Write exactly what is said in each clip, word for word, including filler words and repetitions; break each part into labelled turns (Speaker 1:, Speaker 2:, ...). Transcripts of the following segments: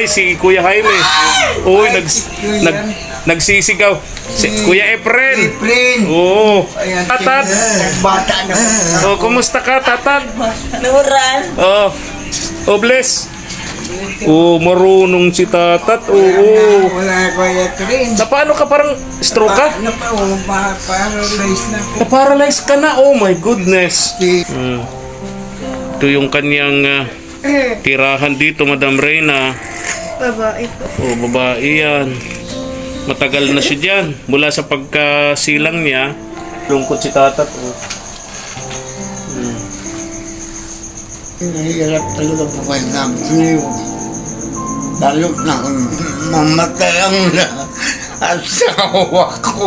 Speaker 1: Ay, si Kuya Jaime. Uy, nag, nag, nagsisigaw. Si Kuya Efren.
Speaker 2: Efren.
Speaker 1: Oo.
Speaker 2: Ayan,
Speaker 1: Tatat.
Speaker 2: bata na.
Speaker 1: Oh, kumusta ka, Tatat?
Speaker 3: Nuran.
Speaker 1: Oh. Oh, bless. Oh, marunong si Tatat. Oo.
Speaker 2: Wala ko Efren.
Speaker 1: Na paano ka parang stroke ka?
Speaker 2: Na pa, oh, pa- paralyzed na ko.
Speaker 1: Na-paralyze ka na. Oh my goodness.
Speaker 2: Si-
Speaker 1: Hmm. Ito yung kanyang ah, tirahan dito, Madam Reyna.
Speaker 3: Babae po.
Speaker 1: Oh, babae yan. Matagal na siya dyan. Mula sa pagkasilang niya, lungkot si Tatat. Oh.
Speaker 2: Nahihirap talaga po kayo ng sa'yo. Lalo na kung mamatay ang asawa ko.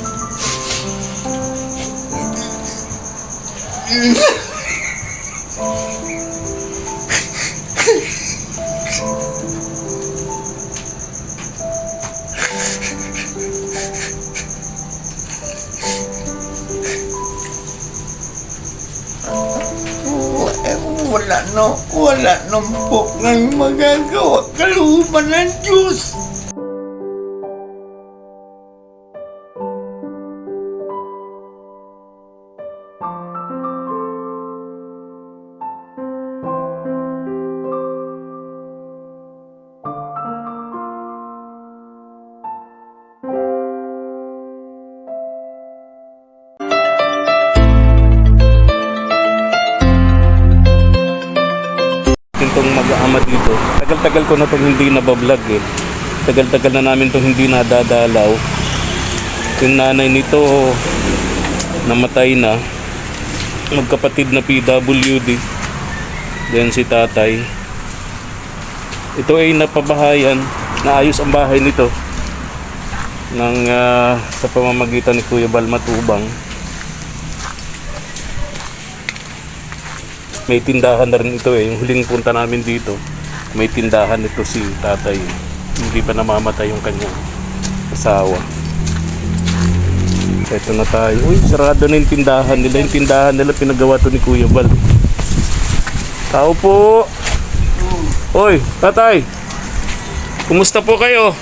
Speaker 2: Wala no, wala nang po ng magagawa. Kalooban ng Diyos.
Speaker 1: Itong mag-aama dito. Tagal-tagal ko na itong hindi nabablog eh. Tagal-tagal na namin itong hindi nadadalaw. Yung nanay nito namatay na. Magkapatid na P W D. Then si tatay. Ito ay napabahayan. Naayos ang bahay nito ng uh, sa pamamagitan ni Kuya Bal Matubang. May tindahan na rin ito eh. Yung huling punta namin dito, may tindahan ito si tatay. Hindi pa namamatay yung kanyang asawa. Ito na tayo. Uy, sarado na yung tindahan nila. Yung tindahan nila pinagawa to ni Kuya Bal. Tao po. Uy, tatay. Kumusta po kayo?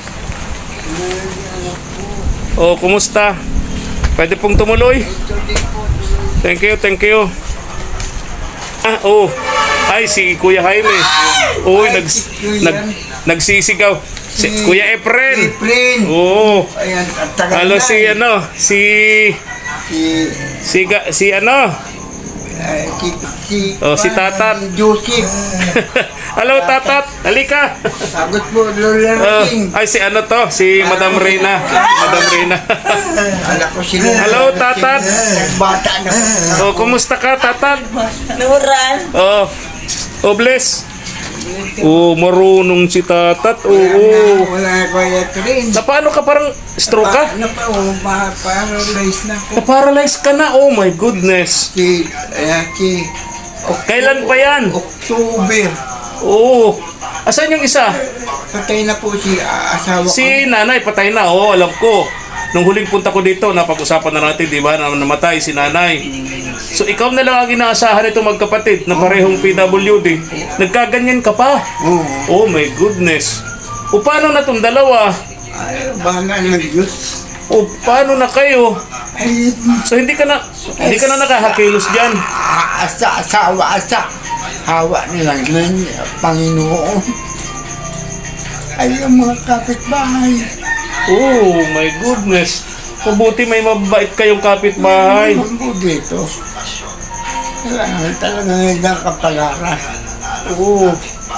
Speaker 1: Oh, kumusta? Pwede pong tumuloy? Thank you, thank you. Ah, oh. Ay, si Kuya Jaime. Uy, nag, nag, nagsisigaw. Si Kuya Efren.
Speaker 2: Efren.
Speaker 1: Oo.
Speaker 2: Ayan, at tagal
Speaker 1: Halo
Speaker 2: na
Speaker 1: si
Speaker 2: eh.
Speaker 1: ano, si
Speaker 2: Si,
Speaker 1: si ga- si ano?
Speaker 2: eh, si, si,
Speaker 1: Oh, si Tatat.
Speaker 2: Joseph.
Speaker 1: Halo Tatat, halika.
Speaker 2: Sagot po, Lola
Speaker 1: Oh,
Speaker 2: King.
Speaker 1: ay si ano to, si Madam Reyna. Madam Reyna.
Speaker 2: Ala ko si Lola
Speaker 1: Hello,
Speaker 2: King.
Speaker 1: Tatat.
Speaker 2: Bata na.
Speaker 1: Oh, kumusta ka, Tatat?
Speaker 3: Nuran.
Speaker 1: Oh. Oh, bless. Oh, marunong si Tatat. Oo.
Speaker 2: Wala ko Efren.
Speaker 1: Na paano ka parang stroke ka?
Speaker 2: Na pa, oh, pa- paralyzed na ko.
Speaker 1: Na-paralyze ka na. Oh my goodness.
Speaker 2: Si, eh, si,
Speaker 1: Kailan pa yan?
Speaker 2: October.
Speaker 1: Oo. Asan yung isa?
Speaker 2: Patay na po si ah, asawa ko.
Speaker 1: Si nanay, patay na. Oo, alam ko. Nung huling punta ko dito, napag-usapan na natin, di ba, na namatay si nanay. So, ikaw na lang ang inaasahan nito magkapatid na parehong P W D. Nagkaganyan ka pa.
Speaker 2: Oo.
Speaker 1: Oh my goodness. O paano na itong dalawa?
Speaker 2: Ay, bahala ng Diyos.
Speaker 1: O paano na kayo?
Speaker 2: Ay,
Speaker 1: So, hindi ka na, hindi ka na nakakakilos dyan.
Speaker 2: ah, asa, asawa, asa. Hawa nilang ng Panginoon. Ay, ang mga kapitbahay.
Speaker 1: Oh my goodness. Mabuti may mabait kayong kapitbahay.
Speaker 2: Ang po dito. Kailangan talaga ng kapalaran.
Speaker 1: Oo.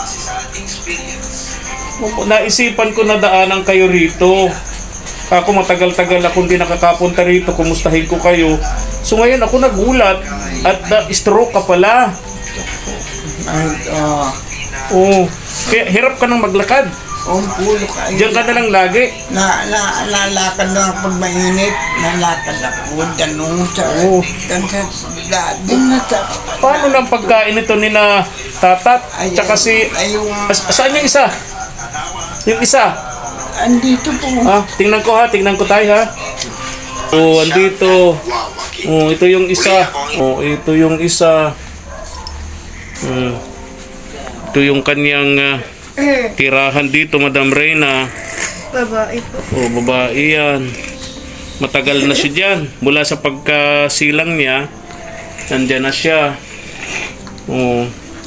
Speaker 1: Naisipan ko na daanan kayo rito. Ako matagal-tagal akong hindi nakakapunta rito. Kumustahin ko kayo. So ngayon ako nagulat. At na-stroke ka pala.
Speaker 2: Ay, ah,
Speaker 1: Oo. Kaya hirap ka nang maglakad.
Speaker 2: ang pulo kayo.
Speaker 1: Diyan ka na lang lagi.
Speaker 2: Na, na, lalakad lang pag mainit. Nalakad ako. Ganun sa...
Speaker 1: Oo.
Speaker 2: Ganun sa... Din na sa...
Speaker 1: Paano lang pagkain ito ni na Tatat? Tsaka si...
Speaker 2: Ayun.
Speaker 1: As, saan yung isa? Yung isa?
Speaker 2: Andito po.
Speaker 1: Ah, tingnan ko ha, tingnan ko tayo ha. Oh, andito. Oh, ito yung isa. Oh, ito yung isa. Hmm. Ito yung kanyang uh, tirahan dito, Madam Reyna.
Speaker 3: Babae po.
Speaker 1: O, babae yan. Matagal na siya dyan. Mula sa pagkasilang niya, nandyan na siya. O.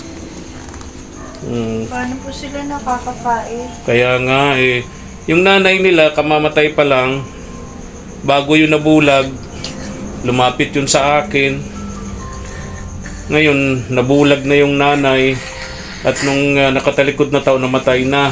Speaker 1: Mm.
Speaker 3: Paano po sila nakakakain?
Speaker 1: Kaya nga eh, yung nanay nila kamamatay pa lang, bago yun nabulag, lumapit yun sa akin. Ngayon, nabulag na yung nanay at nung uh, nakatalikod na tao, namatay na.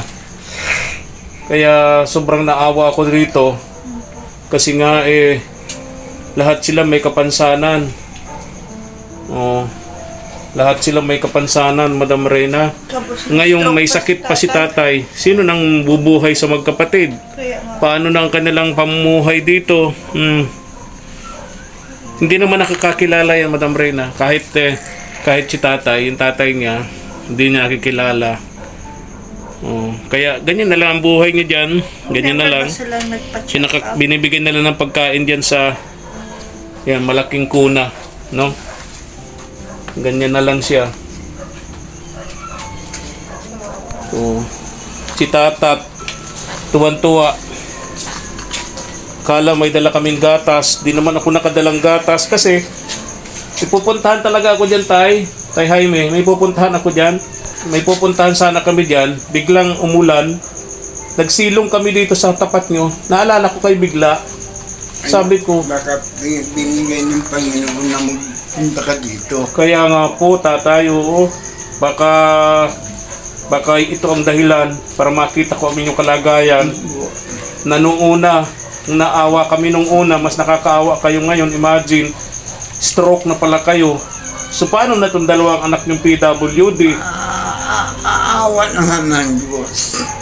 Speaker 1: Kaya sobrang naawa ako dito kasi nga eh, lahat sila may kapansanan. Oh. Lahat sila may kapansanan, Madam Reyna.
Speaker 3: Tapos,
Speaker 1: Ngayong may
Speaker 3: stroke
Speaker 1: sakit pa si tatay, sino nang bubuhay sa magkapatid?
Speaker 3: Kaya nga.
Speaker 1: Paano na ang kanilang pamumuhay dito? Hmm. Hindi naman nakakakilala yan, Madam Reyna. Kahit, eh, kahit si tatay, yung tatay niya, hindi niya nakikilala. Oh. Kaya ganyan na lang ang buhay niya dyan. Ganyan na lang.
Speaker 3: Sila nagpa-check
Speaker 1: Pinaka,
Speaker 3: up.
Speaker 1: binibigyan na lang ng pagkain dyan sa yan, malaking kuna. No? Ganyan na lang siya. So, si tatat, tuwan-tuwa. Kala may dala kaming gatas. Di naman ako nakadalang gatas kasi ipupuntahan talaga ako dyan, tay. Tay Jaime, may pupuntahan ako dyan. May pupuntahan sana kami dyan. Biglang umulan. Nagsilong kami dito sa tapat nyo. Naalala ko kay bigla. Sabi ko,
Speaker 2: Baka bin- binigay ng Panginoon na magpunta ka dito.
Speaker 1: kaya nga po, tatay, oo. Baka, baka ito ang dahilan para makita ko ang inyong kalagayan. Na nung una, nung naawa kami nung una, mas nakakaawa kayo ngayon. Imagine, stroke na pala kayo. So paano na itong dalawang anak niyong P W D?
Speaker 2: Ah, ah, Aawa naman ng Diyos.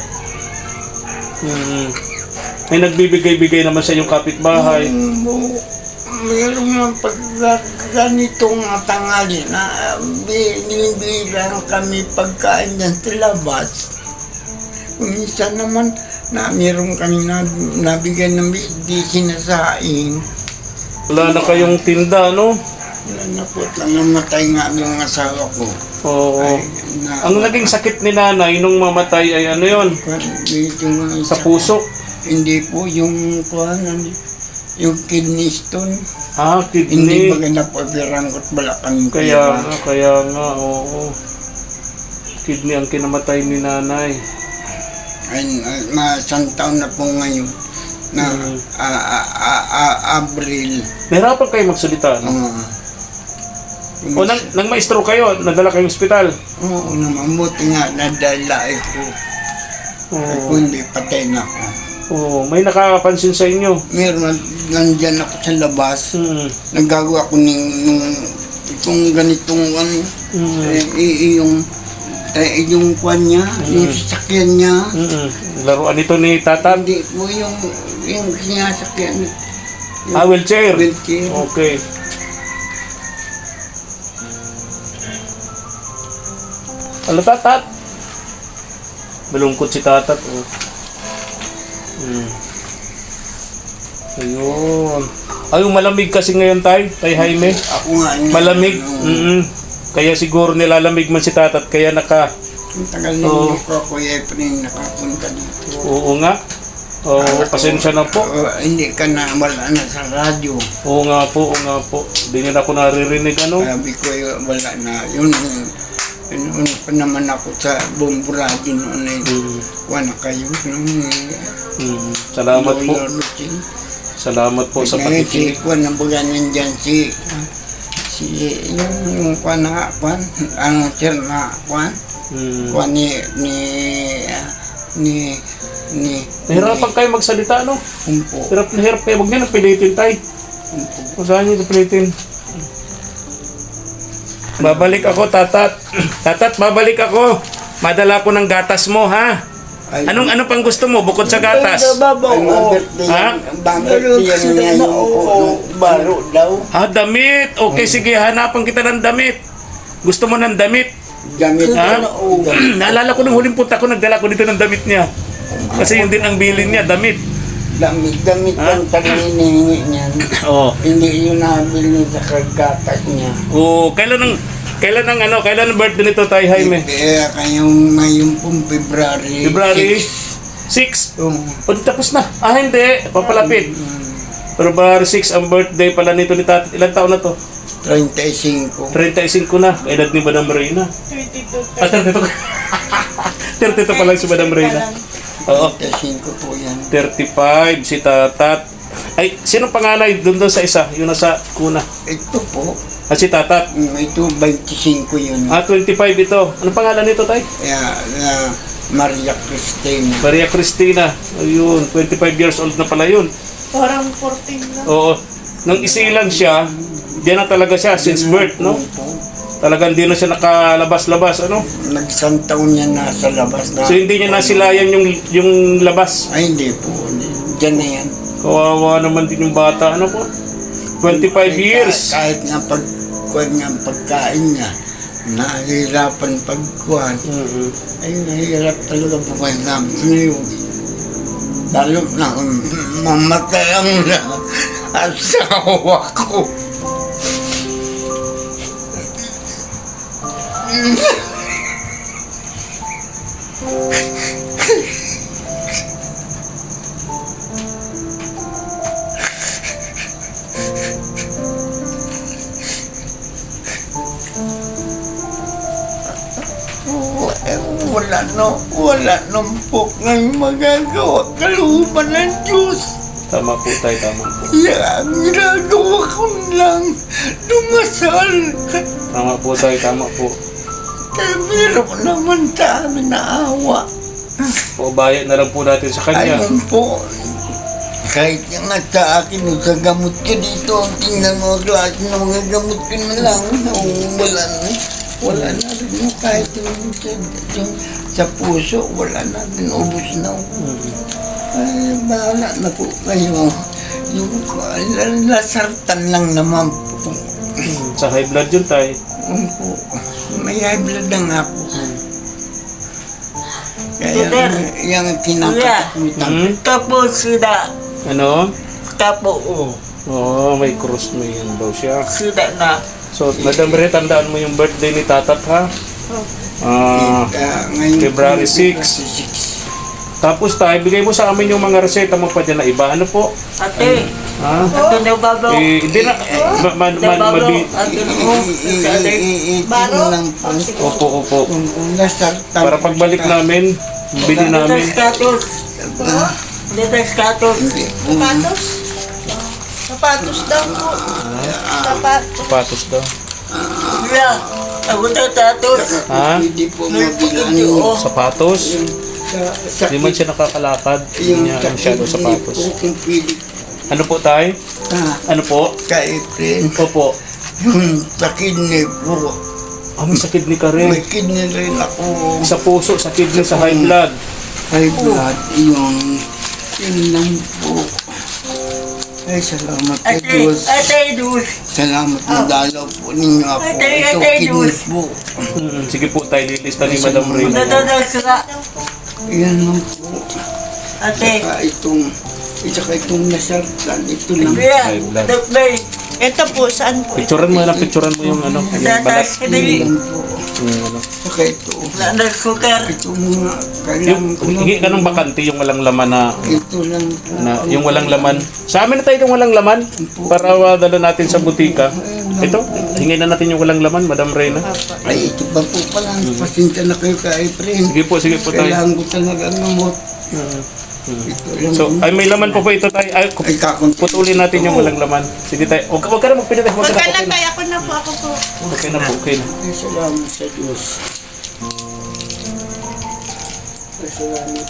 Speaker 1: Hmm. May nagbibigay-bigay naman sa inyong kapitbahay.
Speaker 2: Mm, bu- Meron ng pag ganitong tangali na binibilang kami pagkain dyan sa labas. Minsan naman na meron kami na, nabigyan ng di sinasaing.
Speaker 1: Wala na kayong tinda, no?
Speaker 2: Wala na po lang namatay nga yung asawa ko.
Speaker 1: Oo.
Speaker 2: Ay, na,
Speaker 1: Ang naging sakit ni nanay nung mamatay ay ano yon?
Speaker 2: yung,
Speaker 1: Sa puso.
Speaker 2: Hindi po yung kuhan, yung kidney stone.
Speaker 1: Ah,
Speaker 2: Hindi
Speaker 1: kidney.
Speaker 2: ba napapirang ko't balakang
Speaker 1: Kaya nga, kaya nga, oo. Kidney ang kinamatay ni nanay.
Speaker 2: Ay, ay, masang taon na po ngayon na
Speaker 1: Mm.
Speaker 2: a- a- a- a- Abril.
Speaker 1: Nahirapan kayo magsalita, no?
Speaker 2: Uh,
Speaker 1: O nang, nang maestro kayo, nadala kayong ospital.
Speaker 2: Oo naman, buti nga nadala ito. Ay,
Speaker 1: Oo.
Speaker 2: kung hindi patay na ako.
Speaker 1: Oo, may nakakapansin sa inyo.
Speaker 2: Meron, nandyan ako sa labas.
Speaker 1: Hmm.
Speaker 2: Nagagawa ko ng, ng itong ganitong ano,
Speaker 1: Hmm.
Speaker 2: eh, i- yung eh, yung kwan niya, yung sasakyan niya.
Speaker 1: Hmm. Laruan ito ni Tatat.
Speaker 2: Hindi po yung, yung sinasakyan. Yung
Speaker 1: Ah, wheelchair.
Speaker 2: wheelchair.
Speaker 1: Okay. Ano, Tatat? Malungkot si Tatat. Oh. Hmm. Ayun. Ay, malamig kasi ngayon, tay. Tay Jaime.
Speaker 2: Ako nga. yun,
Speaker 1: Malamig.
Speaker 2: ano,
Speaker 1: Mm-mm. Kaya siguro nilalamig man si Tatat. Kaya naka...
Speaker 2: Ang tagal na
Speaker 1: Oo.
Speaker 2: hindi ko ako Efren nakapunta dito.
Speaker 1: Oo nga. Oo, pasensya na po.
Speaker 2: Oo, hindi ka na wala na sa radyo.
Speaker 1: Oo nga po, oo nga po. Hindi nila ako naririnig, ano?
Speaker 2: Sabi ko eh, wala na. Yun, yun, yun pa naman ako sa bombo radyo noon eh.
Speaker 1: Mm.
Speaker 2: Wala kayo. Nung,
Speaker 1: Mm. Salamat po.
Speaker 2: Routine.
Speaker 1: Salamat po sa
Speaker 2: Ngayon si
Speaker 1: pakikinig.
Speaker 2: Kwan, nabaga nandyan si si yung yung Kwan na Kwan, ang sir na Kwan,
Speaker 1: Mm.
Speaker 2: Kwan ni ni ni ni
Speaker 1: Nahirapan kayo magsalita, no?
Speaker 2: Umpo.
Speaker 1: Hirap na hirap kayo. Huwag niyo napilitin, tay.
Speaker 2: Umpo.
Speaker 1: Huwag niyo napilitin. Babalik ako, Tatat. Tatat, babalik ako. Madala ko ng gatas mo, ha?
Speaker 2: Ay,
Speaker 1: Anong ano pang gusto mo bukod sa gatas?
Speaker 2: Ay, mabirthday
Speaker 1: Ha?
Speaker 2: yan. Mabirthday yan niya yung yung baro daw.
Speaker 1: Ah, damit. Okay, sige. Hanapan kita ng damit. Gusto mo ng damit?
Speaker 2: Gamit
Speaker 1: Ha?
Speaker 2: na o.
Speaker 1: Naalala ko nung huling punta ko, nagdala ko dito ng damit niya. Kasi yun din ang bilin niya, damit.
Speaker 2: Damit, damit
Speaker 1: Ha?
Speaker 2: ang tagliningi niyan.
Speaker 1: Oo.
Speaker 2: Hindi yun nabili sa kagatas niya.
Speaker 1: Oh, kailan ang Kailan ang ano, kailan ang birthday nito, Tay Jaime?
Speaker 2: Kaya kayong ngayon pong February
Speaker 1: February
Speaker 2: six.
Speaker 1: six.
Speaker 2: Um,
Speaker 1: O, di tapos na. Ah, hindi. Papalapit. February six ang birthday pala nito ni Tati. Ilang taon na to?
Speaker 2: thirty-five.
Speaker 1: thirty-five na. Edad ni Madam Reyna.
Speaker 3: thirty-two.
Speaker 1: Ah, thirty-two. thirty-two pa lang si Madam Reyna. Oo.
Speaker 2: thirty-five po yan.
Speaker 1: thirty-five si Tatat. Ay, sino panganay doon doon sa isa? Yung nasa kuna.
Speaker 2: Ito po,
Speaker 1: Ah, si Tatat.
Speaker 2: mm, ito twenty-five yun.
Speaker 1: Ah, twenty-five ito. Anong pangalan nito, Tay?
Speaker 2: Kaya, na Maria Cristina.
Speaker 1: Maria Cristina. Ayun, twenty-five years old na pala yun.
Speaker 3: Parang fourteen lang.
Speaker 1: Oo. Nang isilang siya, diyan na talaga siya since birth, no? Talagang di na siya nakalabas-labas, ano?
Speaker 2: Nagsang taon niya nasa labas na.
Speaker 1: So hindi niya nasilayan yung yung labas.
Speaker 2: Ay, hindi po. Diyan na yan.
Speaker 1: Kawawa naman din yung bata, ano po? twenty-five years.
Speaker 2: Kahit nga pagkuhan nga ang pagkain niya, nahihirapan pagkuhan.
Speaker 1: Mhm.
Speaker 2: Ay, nahihirap talaga buhay namin ngayon. Lalo na kung mamatay ang asawa ko. Eh, wala no, wala nang po ngayon magagawa. Kalooban ng Diyos.
Speaker 1: Tama po tayo, tama po.
Speaker 2: Yeah, ginagawa ko lang dumasal.
Speaker 1: Tama po tayo, tama po.
Speaker 2: Kaya meron naman sa amin na awa.
Speaker 1: Paubayan na lang po natin sa kanya.
Speaker 2: Ayun po. Kahit yung nga sa akin, o sa gamot ko dito, tingnan mo klase ng mga gamot ko na lang. O, wala na. Wala na rin yung kahit yung, yung sa puso, wala na rin. Ubus na. Ay, bahala na po kayo. Yung lasartan lang naman po.
Speaker 1: Sa high blood yun tayo.
Speaker 2: Yun po. May high blood na nga po. Kaya
Speaker 4: Peter.
Speaker 2: yung kinakatakutan.
Speaker 1: Hmm?
Speaker 4: Tapos sila,
Speaker 1: Ano?
Speaker 4: tapo o,
Speaker 1: Oo, oh, may cross may yan daw siya.
Speaker 4: sila na.
Speaker 1: So, Madam Re, tandaan mo yung birthday ni Tatat, ha? Ah,
Speaker 2: Kaya ngayon
Speaker 1: February
Speaker 2: po,
Speaker 1: six.
Speaker 2: six.
Speaker 1: tapos tayo, bigay mo sa amin yung mga reseta mo pa dyan na iba. Ano po?
Speaker 4: Ate,
Speaker 1: Ha?
Speaker 4: ate na babaw.
Speaker 1: Eh, hindi na, ma, ma, ma, mabi,
Speaker 4: Ate na o, sa ate.
Speaker 3: Baro?
Speaker 2: lang po.
Speaker 1: opo, opo.
Speaker 2: Kung nasartan
Speaker 1: Para pagbalik namin, bili
Speaker 4: Dito
Speaker 1: namin.
Speaker 4: status. Dito status.
Speaker 2: Hindi po.
Speaker 3: Sapatos? Sapatos daw po. Sapatos.
Speaker 1: Sapatos daw.
Speaker 4: Sila, ako na status.
Speaker 1: Ha?
Speaker 2: Hindi po
Speaker 4: May
Speaker 2: mabilan
Speaker 4: pagkakyo,
Speaker 2: yung
Speaker 4: oh.
Speaker 1: Sapatos?
Speaker 2: sa
Speaker 1: Hindi man siya nakakalakad. Hindi
Speaker 2: yung
Speaker 1: niya ano masyado
Speaker 2: sakit
Speaker 1: sapatos.
Speaker 2: po kung pili
Speaker 1: Ano po tayo?
Speaker 2: ka
Speaker 1: Ano po?
Speaker 2: kay friend.
Speaker 1: Opo.
Speaker 2: Yung sa kidney po.
Speaker 1: Ah, may sa kidney ka rin.
Speaker 2: May kidney rin ako.
Speaker 1: Sa puso, sa kidney, sa high blood.
Speaker 2: High blood. Yung yun lang po. Ay, salamat kay
Speaker 4: Ate,
Speaker 2: Diyos.
Speaker 4: ate, dus.
Speaker 2: Salamat na dalaw po ninyo ako.
Speaker 4: Ate,
Speaker 2: Ito
Speaker 4: ate,
Speaker 2: kidney
Speaker 4: Diyos.
Speaker 2: po.
Speaker 1: Hmm, sige po tayo, lilista ni Madam Reyna.
Speaker 4: Nadadal sila.
Speaker 2: Yan lang po.
Speaker 4: Ate,
Speaker 2: Saka itong, saka itong nasartan. Ito lang.
Speaker 4: kuya,
Speaker 1: High blood.
Speaker 4: dokbay.
Speaker 3: Ito po, saan po?
Speaker 1: Picturean mo na, picturean mo yung ano, yung balat.
Speaker 4: Dadas,
Speaker 2: Yan
Speaker 4: hindi.
Speaker 2: lang po.
Speaker 1: Yung ano.
Speaker 2: Saka ito.
Speaker 4: Dadas sugar.
Speaker 2: Ito mga kailangan
Speaker 1: Yung,
Speaker 2: ko lang.
Speaker 1: hingi ka ng bakante, yung walang laman na,
Speaker 2: Ito lang po.
Speaker 1: na yung walang laman. Sa amin na tayo yung walang laman para uh, dala natin sa butika. Ito, hingin na natin yung walang laman, Madam Reyna.
Speaker 2: Ay, ito ba po pala. Pasensya na kayo kay friend.
Speaker 1: Sige po, sige po tayo.
Speaker 2: Kailangan ko talaga namot. Ito lang
Speaker 1: So,
Speaker 2: po.
Speaker 1: ay may laman po po ito tayo. Ay,
Speaker 2: Ay, kakunti.
Speaker 1: putulin natin yung walang laman. Sige tayo. Huwag, huwag ka na magpinatay. Huwag
Speaker 3: Huwag
Speaker 1: ka
Speaker 3: ka
Speaker 1: na,
Speaker 3: na
Speaker 1: okay na.
Speaker 3: tayo. Ako na po, ako po.
Speaker 1: Okay na po, okay na.
Speaker 2: Ay, salamat sa Diyos. Ay, salamat.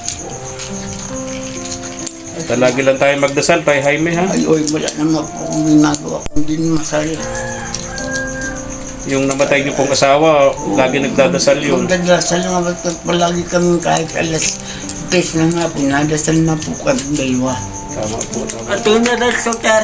Speaker 1: Lagi lang tayo magdasal, tayo Jaime, ha?
Speaker 2: Ay, oy, wala naman po akong ginagawa. Hindi masaya.
Speaker 1: Yung namatay niyo pong asawa, lagi nagdadasal yun.
Speaker 2: Magdadasal nga ba ito? Palagi kami kahit alas tres na nga po. Nadasal na po kami dalawa.
Speaker 1: Tama po, tama.
Speaker 4: Ate, dadas sugar.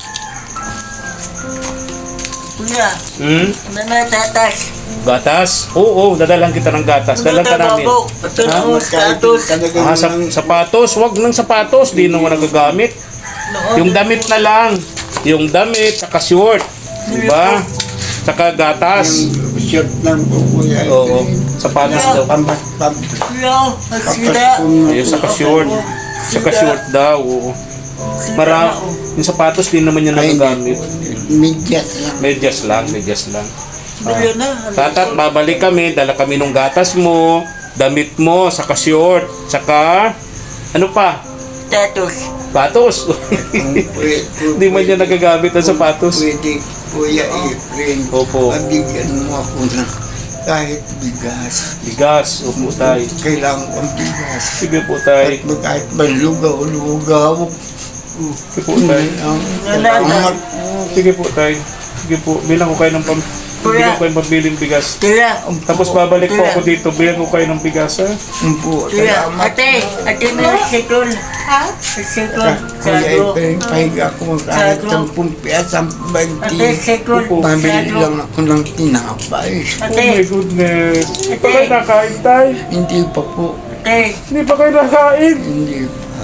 Speaker 4: Kuya,
Speaker 1: Hmm?
Speaker 4: nanatatas.
Speaker 1: Gatas? Oo, oo, dadalang kita ng gatas. Dalang ka namin.
Speaker 4: Ito
Speaker 1: Ha?
Speaker 4: na o, status.
Speaker 1: Ah, sa, sapatos, wag ng sapatos, di naman nagagamit. Yung damit na lang. Yung damit, saka short. Diba? Saka gatas.
Speaker 2: T-shirt lang po kuya.
Speaker 1: Oo. Sapatos daw.
Speaker 2: Pambas, pam,
Speaker 4: Kuya, sida.
Speaker 1: Ayun, saka short. Saka short daw. Oo. Mara, yung sapatos din naman niya nagagamit.
Speaker 2: Medyas lang.
Speaker 1: Medyas lang, medyas lang.
Speaker 4: Bili na.
Speaker 1: Tatat, babalik kami, dala kami nung gatas mo, damit mo, saka short, saka ano pa?
Speaker 4: Tatos.
Speaker 1: Patos.
Speaker 2: Pwede,
Speaker 1: Hindi man niya nagagamit ang sapatos.
Speaker 2: Pwede, Kuya Efren.
Speaker 1: Opo.
Speaker 2: Pabigyan mo ako ng kahit bigas.
Speaker 1: Bigas, opo tay.
Speaker 2: Kailangan kong bigas.
Speaker 1: Sige po tay.
Speaker 2: Kahit, kahit malugaw-lugaw.
Speaker 1: Sige po tay.
Speaker 2: Salamat.
Speaker 1: Sige po tay. Sige po, bilang ko kayo ng pam... Bilang ko kayo ng pambiling bigas.
Speaker 4: Kuya.
Speaker 1: Tapos babalik po ako dito, bilang ko kayo ng bigas ha.
Speaker 2: Po,
Speaker 4: Kuya.
Speaker 2: salamat.
Speaker 4: Ate. Ate mo yung sikol.
Speaker 3: Ha?
Speaker 4: Sikol.
Speaker 2: Kuya
Speaker 4: Sago.
Speaker 2: Efren, pahiga ako kahit
Speaker 4: Sago.
Speaker 2: ang pumpias ang
Speaker 4: Ate,
Speaker 2: banti.
Speaker 4: sikol.
Speaker 2: Pamili
Speaker 4: Sago.
Speaker 2: lang ako ng tinapay.
Speaker 1: Oh
Speaker 4: Ate.
Speaker 1: my goodness. Hindi pa kayo nakain tay?
Speaker 2: Hindi pa po.
Speaker 4: Ate.
Speaker 1: Hindi pa kayo nakain?
Speaker 2: Hindi pa.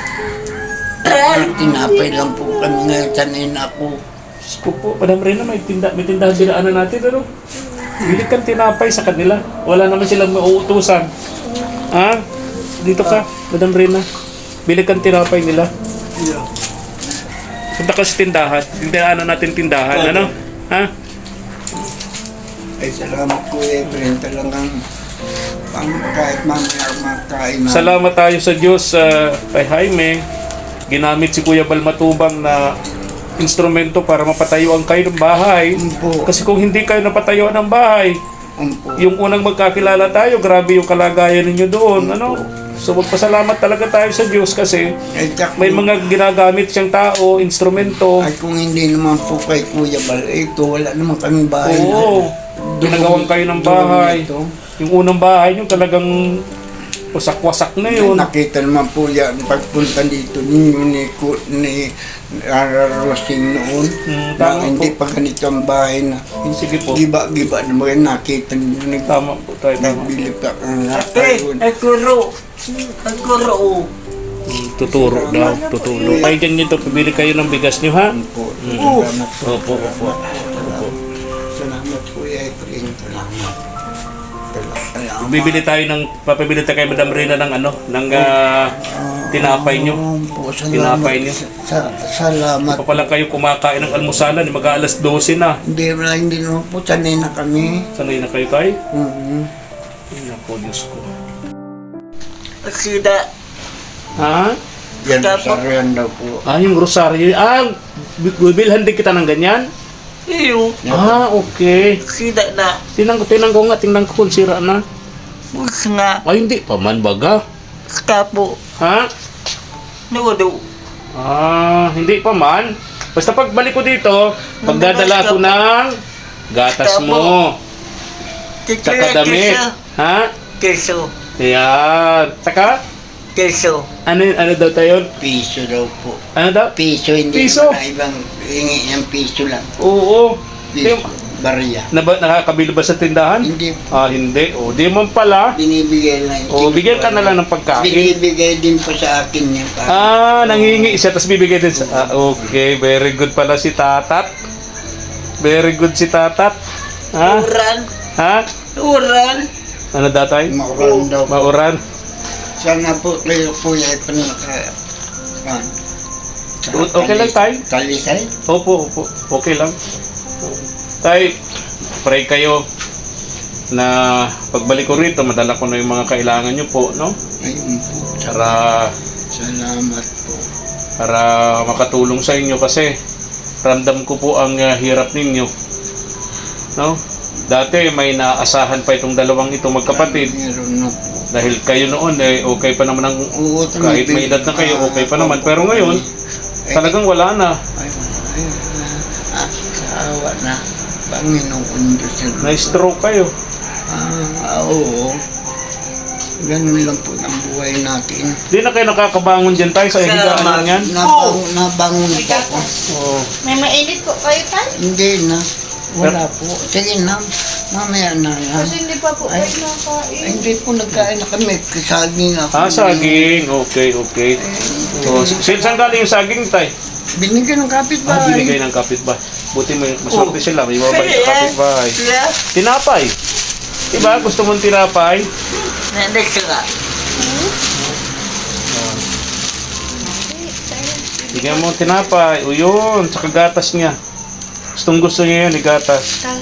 Speaker 2: Tinapay lang po kami ngayon. Sanay na ako.
Speaker 1: Diyos ko po, Madam Reyna, may, tinda, may tindahan dinaanan natin, ano? Bili kang tinapay sa kanila. Wala naman silang mauutusan. Ha? Dito ka, Madam Reyna. Bili kang tinapay nila. Punta ka sa tindahan. Tindahanan natin tindahan, ano? Ha?
Speaker 2: Ay, salamat ko Efren. Talagang pang, kahit mamaya makain na.
Speaker 1: Salamat tayo sa Diyos sa kay Jaime. Ginamit si Kuya Balmatubang na instrumento para mapatayuan kayo ng bahay.
Speaker 2: Umpo.
Speaker 1: Kasi kung hindi kayo napatayuan ng bahay,
Speaker 2: Umpo.
Speaker 1: yung unang magkakilala tayo, grabe yung kalagayan ninyo doon, ano? So magpasalamat talaga tayo sa Diyos kasi
Speaker 2: Ay, tak-
Speaker 1: may mga ginagamit siyang tao, instrumento.
Speaker 2: Ay, kung hindi naman po kay Kuya Bal, ito, wala naman kaming bahay.
Speaker 1: Oo, ginagawan kayo ng bahay.
Speaker 2: Ito.
Speaker 1: Yung unang bahay nyo talagang wasak-wasak na yun.
Speaker 2: Nakita naman po yan pagpunta dito ninyo ni, Ku- ni Rararosing noon.
Speaker 1: Hmm,
Speaker 2: na
Speaker 1: tama
Speaker 2: hindi
Speaker 1: po.
Speaker 2: pa ganito ang bahay na.
Speaker 1: Sige po.
Speaker 2: Giba-giba naman nakita ninyo. Nag-
Speaker 1: Tama po tayo, tama.
Speaker 2: Nagbili pa ang
Speaker 4: Ate.
Speaker 2: ayun.
Speaker 4: Ay kuro. Ay kuro.
Speaker 1: Hmm, Tuturo daw, tuturo. Kayo dyan dito, pabili kayo ng bigas nyo, ha?
Speaker 2: Po,
Speaker 1: Mm.
Speaker 2: salamat po.
Speaker 1: Opo, opo.
Speaker 2: Salamat. Salamat po, Efren. Salamat. Salamat.
Speaker 1: Bibili tayo ng, papabili tayo kay Madam Reyna ng ano, ng ah, tinapay nyo.
Speaker 2: Oo po, salamat.
Speaker 1: Tinapay niyo.
Speaker 2: Sa, salamat.
Speaker 1: Pa pala kayo kumakain ng almusalan, mag-aalas dose na.
Speaker 2: Hindi na, hindi naman po, sanay na kami.
Speaker 1: Sanay na kayo tayo?
Speaker 2: Mhm.
Speaker 1: Ay, naku, Diyos ko.
Speaker 4: Sida.
Speaker 1: Ha?
Speaker 2: Yan,
Speaker 4: Tapos-
Speaker 2: sariyan daw po.
Speaker 1: Ah, yung rosaryo. Ah, bibilhan din kita ng ganyan?
Speaker 4: Iyo.
Speaker 1: Ah, okay.
Speaker 4: Sida na.
Speaker 1: Tingnan ko, tingnan ko nga, tingnan ko kung sira na.
Speaker 4: Bus nga.
Speaker 1: Ay, hindi pa man baga.
Speaker 4: Kapo.
Speaker 1: Ha?
Speaker 4: Nudo.
Speaker 1: Ah, hindi pa man. Basta pagbalik ko dito, magdadala ako ng gatas mo. Tsaka damit. Ha?
Speaker 4: Keso.
Speaker 1: Ayan. Tsaka,
Speaker 4: Keso.
Speaker 1: ano, ano daw tayo?
Speaker 2: Piso daw po.
Speaker 1: Ano daw?
Speaker 2: Piso, hindi
Speaker 1: Piso?
Speaker 2: naman na ibang hingi ng piso lang.
Speaker 1: Oo.
Speaker 2: Piso,
Speaker 1: Di-
Speaker 2: barya.
Speaker 1: Naba, nakakabili ba sa tindahan?
Speaker 2: Hindi,
Speaker 1: Ah, hindi. O, di man pala.
Speaker 2: binibigay lang.
Speaker 1: O, bigyan ka na lang ng pagkain.
Speaker 2: Binibigay din po sa akin niya.
Speaker 1: Ah, nangingi siya, tapos bibigay din sa... Ah, okay, very good pala si Tatat. Very good si Tatat. Ha?
Speaker 4: Uran.
Speaker 1: Ha?
Speaker 4: Uran.
Speaker 1: Ano datay?
Speaker 2: Mauran daw po.
Speaker 1: Mauran.
Speaker 2: Sana po kayo po ay panaka... Pan.
Speaker 1: O- okay lang, tay?
Speaker 2: Talisay?
Speaker 1: Opo, opo. Okay lang. Tay, pray kayo na pagbalik ko rito, madala ko na yung mga kailangan nyo po, no?
Speaker 2: Ayun po.
Speaker 1: Para,
Speaker 2: Salamat po.
Speaker 1: para makatulong sa inyo kasi ramdam ko po ang uh, hirap ninyo. No? Dati may naasahan pa itong dalawang ito magkapatid.
Speaker 2: Meron na po.
Speaker 1: Dahil kayo noon eh okay pa naman ang
Speaker 2: Oo,
Speaker 1: kahit may edad na kayo okay pa naman. Pero ngayon talagang wala na.
Speaker 2: Ay, ay, ah, sa awa na. Panginoon Diyos na.
Speaker 1: Na-stroke kayo.
Speaker 2: Ah, oo. Ganun lang po ang buhay natin.
Speaker 1: Di na kayo nakakabangon dyan tayo sa higaan lang yan.
Speaker 2: Nabangon, nabangon po ako.
Speaker 1: Oo.
Speaker 3: May mainit po kayo, Tay?
Speaker 2: Hindi na. Wala po. Sige na. Mamaya na lang.
Speaker 3: Kasi hindi pa po
Speaker 2: Ay.
Speaker 3: kayo nakain.
Speaker 2: Ay, hindi po nagkain na kami. Saging ako.
Speaker 1: Ah, saging. Okay, okay. So, sin saan galing yung saging tay?
Speaker 2: Binigyan ng kapit
Speaker 1: Ah,
Speaker 2: bahay.
Speaker 1: binigay ng kapitbahay. Buti may maswerte
Speaker 4: Oh.
Speaker 1: sila, may mabait
Speaker 4: Kaya,
Speaker 1: sa kapitbahay.
Speaker 4: Kaya,
Speaker 1: Tinapay. Diba? Gusto mong tinapay?
Speaker 4: nanday ka.
Speaker 1: Bigyan mo tinapay. O yun, sa gatas niya. Gustong gusto niya yun, igatas.
Speaker 3: Tay.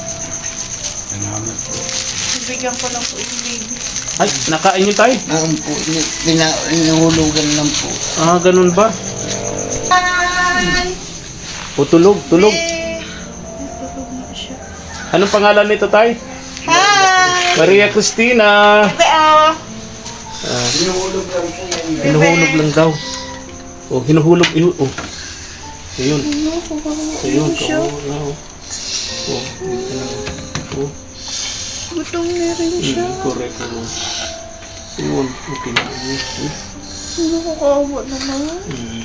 Speaker 3: Bibigyan ko lang po yung baby.
Speaker 1: Ay, nakain niyo tayo.
Speaker 2: Naon po, pina- inuhulugan lang po.
Speaker 1: Ah, ganun ba?
Speaker 3: Hi!
Speaker 1: O tulog, tulog.
Speaker 3: Eh, natulog na siya.
Speaker 1: Anong pangalan nito tayo?
Speaker 3: Hi!
Speaker 1: Maria Cristina.
Speaker 3: Bebe, oh.
Speaker 1: Ah,
Speaker 2: Inuhulog lang po yan.
Speaker 1: hinuhulog lang daw. O, hinuhulog. Ihu oh. Ayun. Ayun.
Speaker 3: siya.
Speaker 1: Oo, oo. Oh, oh.
Speaker 3: Gutom na rin siya.
Speaker 1: Hmm, correct. Oh. Ayun. Okay na. Hmm.
Speaker 3: Nakakawa naman.
Speaker 1: Hmm.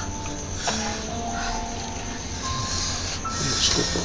Speaker 1: Gusto ko.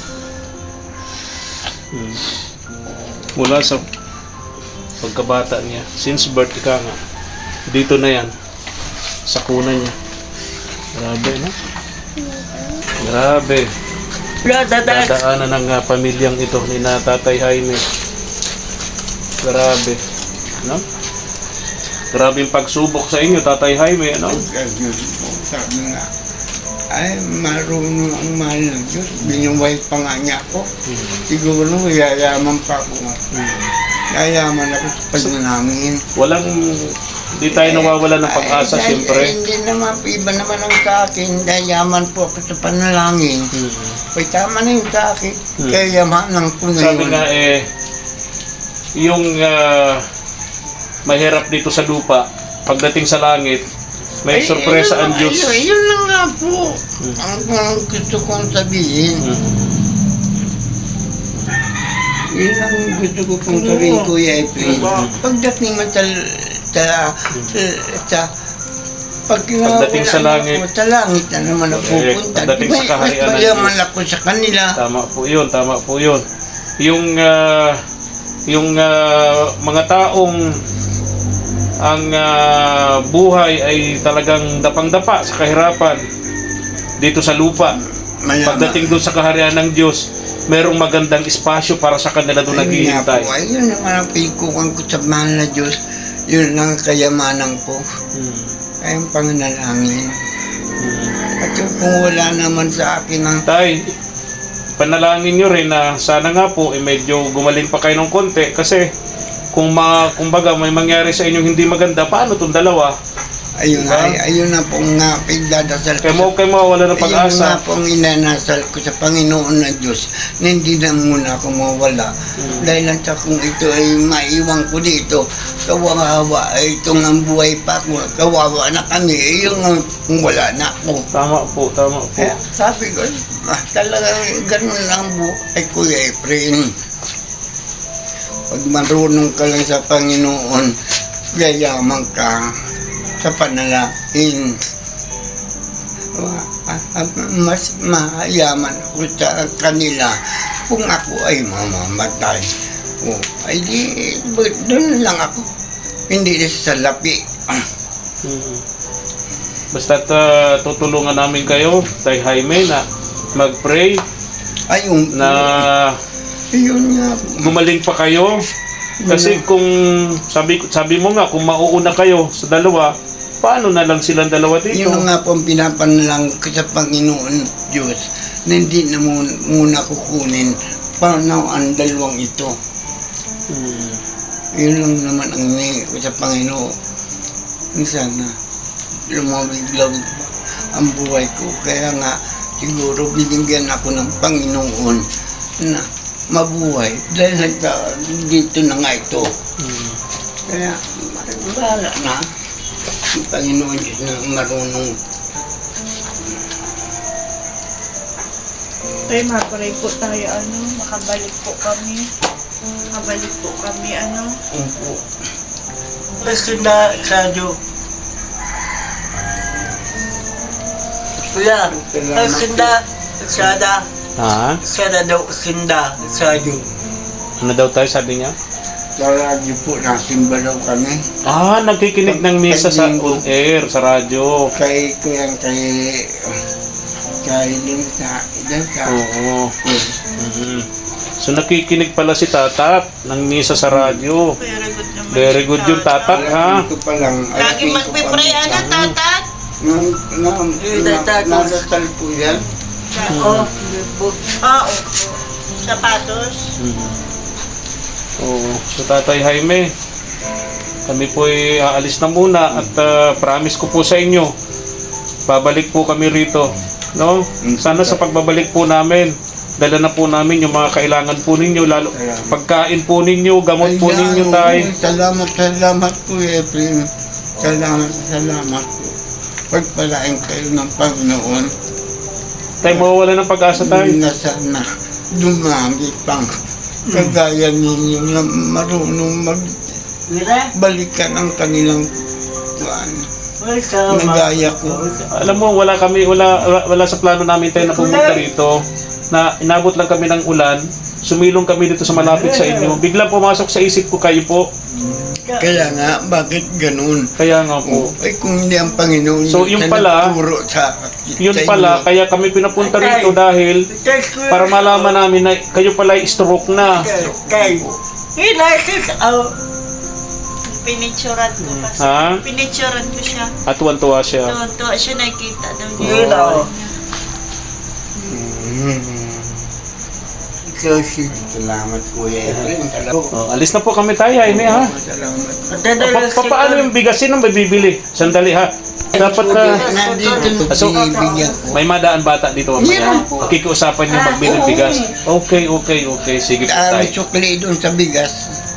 Speaker 1: Hmm. Mula sa pagkabata niya, since birth ka nga, dito na yan, sa kuna niya. Grabe, no? Grabe.
Speaker 4: Wala, dadag.
Speaker 1: Dadaanan ng uh, pamilyang ito ni na Tatay Jaime. Grabe. No? Grabe yung pagsubok sa inyo, Tatay Jaime, ano?
Speaker 2: Diyos po, sabi nga, ay marunong ang mahal ng Diyos. Binuway pa nga niya ako.
Speaker 1: Hmm.
Speaker 2: Siguro yayaman pa ako.
Speaker 1: Hmm.
Speaker 2: Yayaman ako sa pagnanangin.
Speaker 1: Walang, di tayo nawawala ng pag-asa,
Speaker 2: Ay,
Speaker 1: siyempre.
Speaker 2: ay, Hindi naman, iba naman ang sa akin. Yayaman po ako sa panalangin.
Speaker 1: Hmm.
Speaker 2: Ay, tama na yun sa akin.
Speaker 1: Hmm.
Speaker 2: Kaya yamanan ko na
Speaker 1: Sabi
Speaker 2: yun.
Speaker 1: nga eh, yung ah, mahirap dito sa lupa, pagdating sa langit, may
Speaker 2: Ay,
Speaker 1: sorpresa
Speaker 2: yun
Speaker 1: ang
Speaker 2: lang-
Speaker 1: Diyos.
Speaker 2: Yun, yun lang nga po.
Speaker 1: Hmm.
Speaker 2: Ang, ang gusto kong sabihin.
Speaker 1: Hmm.
Speaker 2: Yun ang gusto ko pong sabihin, Kuya Efren.
Speaker 1: Hmm.
Speaker 2: Pagdating mo sa, sa, sa, sa pag
Speaker 1: Pagdating sa langit.
Speaker 2: ako, sa langit na naman ako
Speaker 1: Correct.
Speaker 2: pupunta.
Speaker 1: Pagdating sa kaharian ng
Speaker 2: Mas mayaman ako sa kanila.
Speaker 1: Tama po yun, tama po yun. Yung, ah, yung ah, mga taong ang ah, buhay ay talagang dapang-dapa sa kahirapan dito sa lupa.
Speaker 2: Mayaman.
Speaker 1: Pagdating doon sa kaharian ng Diyos, merong magandang espasyo para sa kanila doon
Speaker 2: Ayun nga
Speaker 1: naghihintay.
Speaker 2: po, ayun naman ang pinikukan ko sa mahal na Diyos. Yun ang kayamanan ko.
Speaker 1: Hmm.
Speaker 2: Ay ang panganalangin.
Speaker 1: Hmm.
Speaker 2: At yung kung wala naman sa akin ang
Speaker 1: Tay, panalangin nyo rin na sana nga po eh, medyo gumaling pa kayo ng konti kasi kung ma, kumbaga may mangyari sa inyong hindi maganda, paano itong dalawa?
Speaker 2: ayun,
Speaker 1: Diba?
Speaker 2: ay, ayun na pong nga pigdadasal
Speaker 1: Kaya
Speaker 2: ko.
Speaker 1: mo kayo mawawala ng
Speaker 2: Ayun
Speaker 1: pag-asa.
Speaker 2: nga pong inanasal ko sa Panginoon na Diyos na hindi na muna ako mawala.
Speaker 1: Hmm.
Speaker 2: Dahil lang sa kung ito ay maiwan ko dito, kawawa, ay itong ang buhay pa ko, kawawa na kami, eh, yung ang- kung wala na ako.
Speaker 1: Tama po, tama po.
Speaker 2: Kaya sabi ko, ah, talagang ganun lang buhay, Kuya Efren. Pag marunong ka lang sa Panginoon, yayaman ka sa panalangin. Ah, ah, Mas mayaman ako sa kanila kung ako ay mamamatay. O, ay di, but doon lang ako. Hindi na sa lapi.
Speaker 1: Mm. Basta't ah, tutulungan namin kayo, Tay Jaime, na mag-pray
Speaker 2: Ayun,
Speaker 1: na
Speaker 2: yun nga.
Speaker 1: gumaling pa kayo. Kasi kung sabi sabi mo nga kung mauuna kayo sa dalawa, paano na lang silang dalawa dito?
Speaker 2: Yun nga po ang pinapanalang ko sa Panginoon Diyos na hindi na muna, muna kukunin paano ang dalawang ito.
Speaker 1: Hmm.
Speaker 2: Yun lang naman ang hinihingi ko sa Panginoon. Sana lumawig-lawig pa ang buhay ko. Kaya nga siguro binigyan ako ng Panginoon na mabuhay dahil nagka, dito na nga ito.
Speaker 1: Hmm.
Speaker 2: Kaya bahala na ang Panginoon Diyos na marunong.
Speaker 3: Tay, maparay po tayo, ano, makabalik po kami. Makabalik po kami, ano.
Speaker 2: Opo.
Speaker 4: Basta na, Sadyo. Wala, kasinda, sada,
Speaker 1: Ha?
Speaker 4: sada daw kasinda, Sadyo.
Speaker 1: Ano daw tayo sabi niya?
Speaker 2: Sa radyo po, nasimba daw kami.
Speaker 1: Ah, nagkikinig ng misa sa on air, sa radyo.
Speaker 2: Kay, kaya kay, Dahil din sa, dyan sa,
Speaker 1: Oo. Mhm. So nakikinig pala si Tatat ng misa sa radyo.
Speaker 3: Very good naman.
Speaker 1: Very good yung Tatat, ha?
Speaker 2: Alas ko pa lang.
Speaker 3: Lagi
Speaker 2: alas ko
Speaker 3: magpipray,
Speaker 2: pa
Speaker 3: ano,
Speaker 2: lang.
Speaker 3: tatat?
Speaker 2: Na, na,
Speaker 4: Eh,
Speaker 2: na,
Speaker 4: tatat.
Speaker 2: nadasal po yan.
Speaker 4: Oh,
Speaker 3: Ah, opo. Sapatos.
Speaker 1: Mhm. Oo. So Tatay Jaime, kami po ay aalis na muna at ah, promise ko po sa inyo, babalik po kami rito. No? Sana sa pagbabalik po namin, dala na po namin yung mga kailangan po ninyo, lalo pagkain po ninyo, gamot po
Speaker 2: Ay,
Speaker 1: ninyo,
Speaker 2: oo,
Speaker 1: tay.
Speaker 2: Salamat, salamat po, Efren. Salamat, salamat po. Pagpalain kayo ng Panginoon.
Speaker 1: Tay, mawawala ng pag-asa, tay.
Speaker 2: Na sana dumami pang kagaya ninyo na marunong
Speaker 4: mira,
Speaker 2: magbalikan ang kanilang kuan.
Speaker 4: may sama.
Speaker 2: Nagaya ko.
Speaker 1: Alam mo, wala kami, wala, wala sa plano namin tayo na pumunta rito. Na inabot lang kami ng ulan, sumilong kami dito sa malapit sa inyo. Biglang pumasok sa isip ko kayo po.
Speaker 2: Kaya nga, bakit ganun?
Speaker 1: Kaya nga po.
Speaker 2: Ay, kung hindi ang Panginoon
Speaker 1: So, yung pala,
Speaker 2: nagturo sa
Speaker 1: Yun
Speaker 2: sa
Speaker 1: pala,
Speaker 2: inyo.
Speaker 1: kaya kami pinapunta rito dahil para malaman namin na kayo pala ay stroke na.
Speaker 4: Tay, inasis, oh,
Speaker 3: Pinicturan ko kasi.
Speaker 1: Ha?
Speaker 3: Pinicturan ko siya.
Speaker 1: At tuwan-tuwa siya.
Speaker 3: Tuwan-tuwa siya, nakita daw niya.
Speaker 4: yun oh.
Speaker 2: Kasi, salamat po, Efren. Salamat.
Speaker 1: Oh, alis na po kami tayo, Jaime, ha?
Speaker 2: Salamat.
Speaker 1: Pa, pa, paano yung bigasin ang bibili? Sandali, ha? Dapat na...
Speaker 2: Nandito
Speaker 1: So,
Speaker 2: binibigyan ko.
Speaker 1: may madaan bata dito mamaya.
Speaker 2: Meron po.
Speaker 1: Kikiusapan niyo magbili ng bigas. Okay, okay, okay. Sige po
Speaker 2: Dami
Speaker 1: tayo.
Speaker 2: sukli doon sa bigas.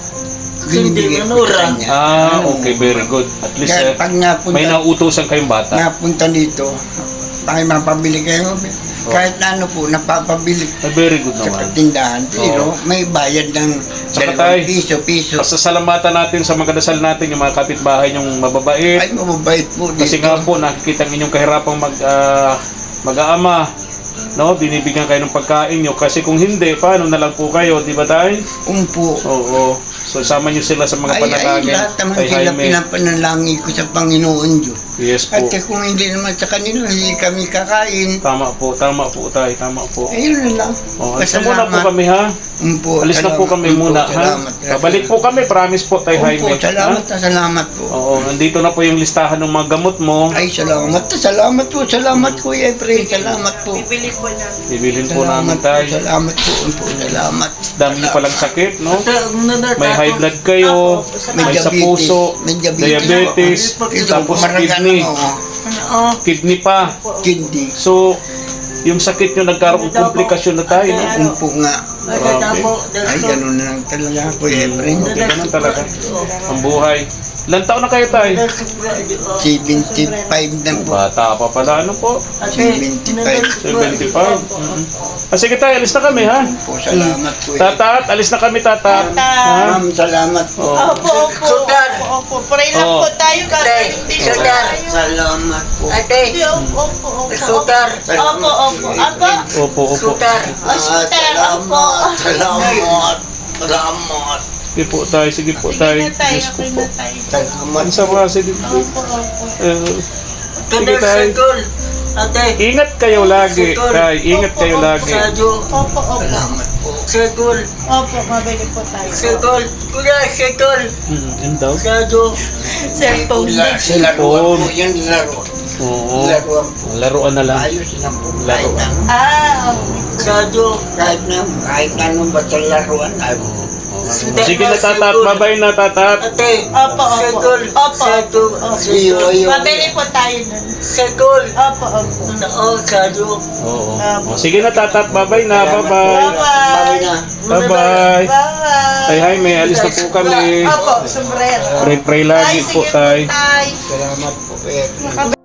Speaker 4: Hindi,
Speaker 2: Binibigyan ko
Speaker 4: manura.
Speaker 2: sa kanya.
Speaker 1: Ah, okay, very good. At least,
Speaker 2: Kaya
Speaker 1: eh,
Speaker 2: pag napunta,
Speaker 1: may nauutosan kayong bata.
Speaker 2: napunta dito, ay mapabili kayo. Kahit na ano po, napapabili
Speaker 1: Ah, very good
Speaker 2: sa
Speaker 1: naman.
Speaker 2: tindahan. Pero may bayad ng
Speaker 1: Saka
Speaker 2: dalawang
Speaker 1: tayo,
Speaker 2: piso, piso.
Speaker 1: Pasasalamatan natin sa mga kadasal natin, yung mga kapitbahay, yung mababait.
Speaker 2: Ay, mababait po dito.
Speaker 1: Kasi nga po, nakikita ang inyong kahirapang mag, ah, mag-aama. No? Binibigyan kayo ng pagkain nyo. Kasi kung hindi, paano na lang po kayo, di ba tayo?
Speaker 2: Umpo.
Speaker 1: Oo. So, sama nyo sila sa mga
Speaker 2: Ay, ay,
Speaker 1: panalangin.
Speaker 2: lahat naman
Speaker 1: Kay
Speaker 2: sila
Speaker 1: Jaime.
Speaker 2: pinapanalangin ko sa Panginoon Diyos.
Speaker 1: Yes po.
Speaker 2: At kung hindi naman sa kanila, hindi kami kakain.
Speaker 1: Tama po, tama po tayo, tama po.
Speaker 2: Ayun na lang.
Speaker 1: Oh, alis na muna po kami, ha?
Speaker 2: Umpo,
Speaker 1: Alis na po
Speaker 2: salamat.
Speaker 1: kami
Speaker 2: Umpo,
Speaker 1: muna, ha?
Speaker 2: salamat.
Speaker 1: Babalik po kami, promise po tayo, Jaime.
Speaker 2: Umpo, salamat
Speaker 1: Ha?
Speaker 2: na salamat po.
Speaker 1: Oo, nandito na po yung listahan ng mga gamot mo.
Speaker 2: Ay, salamat na salamat po. Salamat po, Efren. Salamat po.
Speaker 3: Bibili ko lang.
Speaker 1: Bibilin po
Speaker 2: Salamat
Speaker 1: namin
Speaker 2: po,
Speaker 1: tayo.
Speaker 2: salamat po. Umpo, salamat.
Speaker 1: Dami niyo palang sakit, no?
Speaker 4: May
Speaker 1: May high blood kayo,
Speaker 2: May
Speaker 1: may sa
Speaker 2: diabetes.
Speaker 1: puso,
Speaker 2: May diabetes.
Speaker 1: diabetes,
Speaker 2: Ito,
Speaker 1: tapos
Speaker 2: kumaragan
Speaker 1: kidney,
Speaker 2: ako.
Speaker 4: oh,
Speaker 1: kidney pa.
Speaker 2: Kidney.
Speaker 1: So, yung sakit nyo nagkaroon ng komplikasyon na tayo, no?
Speaker 2: Umpo nga. Ay, ganun na lang talaga po, Efren.
Speaker 1: Okay naman talaga. Ang buhay. Ilan taon na kayo tayo?
Speaker 2: seventy-five na po.
Speaker 1: Bata pa pala, ano po?
Speaker 2: seventy-five.
Speaker 1: seventy-five. Mhm. Ah, sige tayo, alis na kami, ha?
Speaker 2: Po, salamat po. Efren.
Speaker 1: Tatat, alis na kami, tatat. Ha?
Speaker 2: Ma'am, salamat po.
Speaker 1: Oh.
Speaker 3: Opo, opo. Opo, opo. Pray lang
Speaker 1: Oo.
Speaker 3: po tayo. Gagawin din po
Speaker 4: Sugar.
Speaker 3: tayo.
Speaker 2: Salamat po.
Speaker 4: ate,
Speaker 3: Opo, opo, opo.
Speaker 4: sugar,
Speaker 3: Opo, opo. Opo.
Speaker 1: Opo, opo.
Speaker 4: sugar,
Speaker 3: Oh, shooter. Opo.
Speaker 2: Salamat. Salamat.
Speaker 1: Sige po tayo, sige po
Speaker 3: Sige
Speaker 1: tayo.
Speaker 3: na tayo.
Speaker 1: Diyos ko
Speaker 3: Okay
Speaker 1: po.
Speaker 3: na tayo.
Speaker 2: Salamat.
Speaker 1: Ang sama, sige po.
Speaker 3: Opo, opo.
Speaker 1: Eh,
Speaker 4: tuloy
Speaker 1: Sige, tay.
Speaker 4: sekol, ate,
Speaker 1: ingat kayo lagi, tay. Ingat kayo lagi.
Speaker 4: sadyo,
Speaker 3: Opo, opo.
Speaker 2: Salamat po.
Speaker 4: sekol,
Speaker 3: Opo, mabili po tayo.
Speaker 4: sekol, kuya, sekol,
Speaker 1: Hmm, yun daw.
Speaker 4: sadyo,
Speaker 3: Cellphone din.
Speaker 2: Laruan po yan, laro.
Speaker 1: Oo.
Speaker 2: Laruan po.
Speaker 1: Laruan na lang.
Speaker 2: Ayos lang po. Kahit na,
Speaker 3: Ah, okay.
Speaker 4: sadyo,
Speaker 2: kahit na, kahit na nung basta laruan, ay,
Speaker 1: Sige na, tatat. Babay na, tatat.
Speaker 4: ate,
Speaker 3: Opo, opo.
Speaker 4: sekol,
Speaker 3: Opo,
Speaker 4: sadyo,
Speaker 3: opo.
Speaker 2: iyo, iyo.
Speaker 3: Mabili po tayo nun.
Speaker 4: sekol,
Speaker 3: Opo, opo.
Speaker 4: oh, sadyo,
Speaker 1: Oo. Oh, sige na, tatat. Babay na. Bye-bye.
Speaker 2: Bawi
Speaker 3: Bye-bye.
Speaker 2: na.
Speaker 1: Bye-bye.
Speaker 3: Bye-bye.
Speaker 1: Ay, Jaime, alis na po kami.
Speaker 3: Opo, sombrero.
Speaker 1: Pray-pray lagi
Speaker 3: Ay,
Speaker 1: po
Speaker 3: sige
Speaker 1: tayo.
Speaker 3: tay.
Speaker 2: Salamat po, Efren.
Speaker 3: Makabili